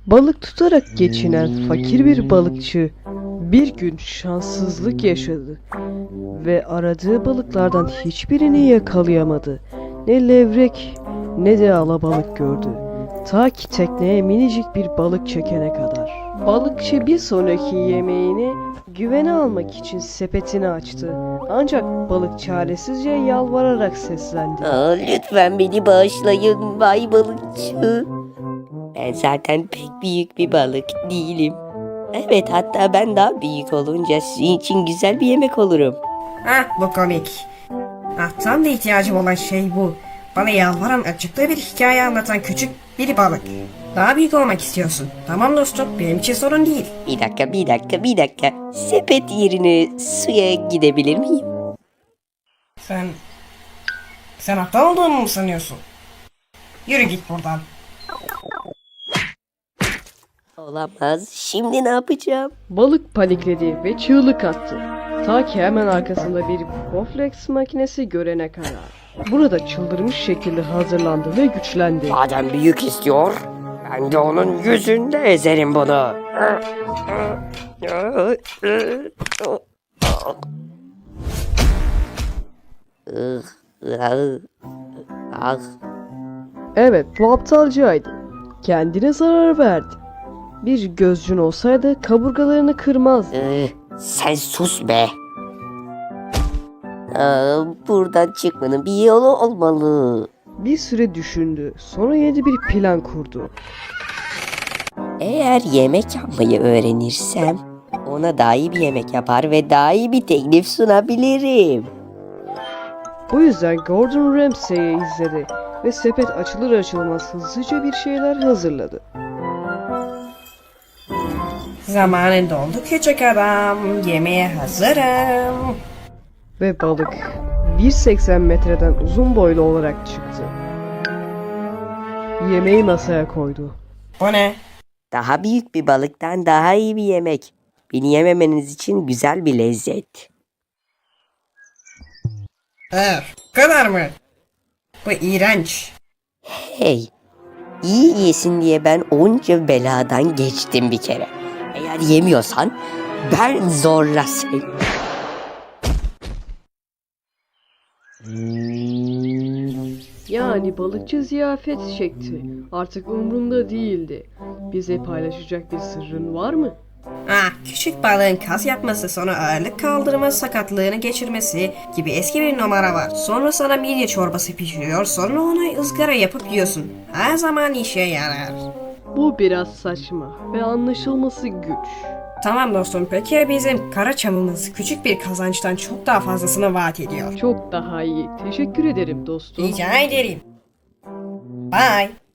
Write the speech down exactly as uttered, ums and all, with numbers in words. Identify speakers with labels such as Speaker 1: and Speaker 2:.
Speaker 1: Balık tutarak geçinen fakir bir balıkçı bir gün şanssızlık yaşadı ve aradığı balıklardan hiçbirini yakalayamadı. Ne levrek ne de alabalık gördü. Ta ki tekneye minicik bir balık çekene kadar. Balıkçı bir sonraki yemeğini güvene almak için sepetini açtı. Ancak balık çaresizce yalvararak seslendi.
Speaker 2: Aa, lütfen beni bağışlayın Bay Balıkçı. Ben zaten pek büyük bir balık değilim. Evet, hatta ben daha büyük olunca sizin için güzel bir yemek olurum.
Speaker 3: Ah, bu komik. Ah, tam da ihtiyacım olan şey bu. Bana yalvaran, acıklı bir hikaye anlatan küçük bir balık. Daha büyük olmak istiyorsun. Tamam dostum, benim için sorun değil.
Speaker 2: Bir dakika, bir dakika, bir dakika. Sepet yerine suya gidebilir miyim?
Speaker 3: Sen... Sen aptal olduğunu mu sanıyorsun? Yürü git buradan.
Speaker 2: Olamaz. Şimdi ne yapacağım?
Speaker 1: Balık panikledi ve çığlık attı. Ta ki hemen arkasında bir Bowflex makinesi görene kadar. Burada çıldırmış şekilde hazırlandı ve güçlendi.
Speaker 2: Madem büyük istiyor, ben de onun yüzünde ezerim bunu. Ah.
Speaker 1: Evet, bu aptalcaydı. Kendine zarar verdi. Bir gözcün olsaydı kaburgalarını kırmazdı.
Speaker 2: Ee, sen sus be. Aa, buradan çıkmanın bir yolu olmalı.
Speaker 1: Bir süre düşündü. Sonra yeni bir plan kurdu.
Speaker 2: Eğer yemek yapmayı öğrenirsem ona daha iyi bir yemek yapar ve daha iyi bir teklif sunabilirim.
Speaker 1: Bu yüzden Gordon Ramsay'i izledi ve sepet açılır açılmaz hızlıca bir şeyler hazırladı.
Speaker 3: Zamanın doldu küçük adam. Yemeğe hazırım.
Speaker 1: Ve balık bir virgül seksen metreden uzun boylu olarak çıktı. Yemeği masaya koydu.
Speaker 3: Bu ne?
Speaker 2: Daha büyük bir balıktan daha iyi bir yemek. Beni yememeniz için güzel bir lezzet.
Speaker 3: Evet, bu kadar mı? Bu iğrenç.
Speaker 2: Hey, iyi yesin diye ben onca beladan geçtim bir kere. Eğer yemiyorsan ben zorla seni.
Speaker 1: Yani balıkçı ziyafet çekti. Artık umrunda değildi. Bize paylaşacak bir sırrın var mı?
Speaker 3: Ah, küçük balığın kas yapması, sonra ağırlık kaldırma sakatlığını geçirmesi gibi eski bir numara var. Sonra sana midye çorbası pişiriyor, sonra onu ızgara yapıp yiyorsun. Her zaman işe yarar.
Speaker 1: Bu biraz saçma ve anlaşılması güç.
Speaker 3: Tamam dostum, peki bizim kara çamımız küçük bir kazançtan çok daha fazlasını vaat ediyor.
Speaker 1: Çok daha iyi. Teşekkür ederim dostum.
Speaker 3: Rica ederim. Bye.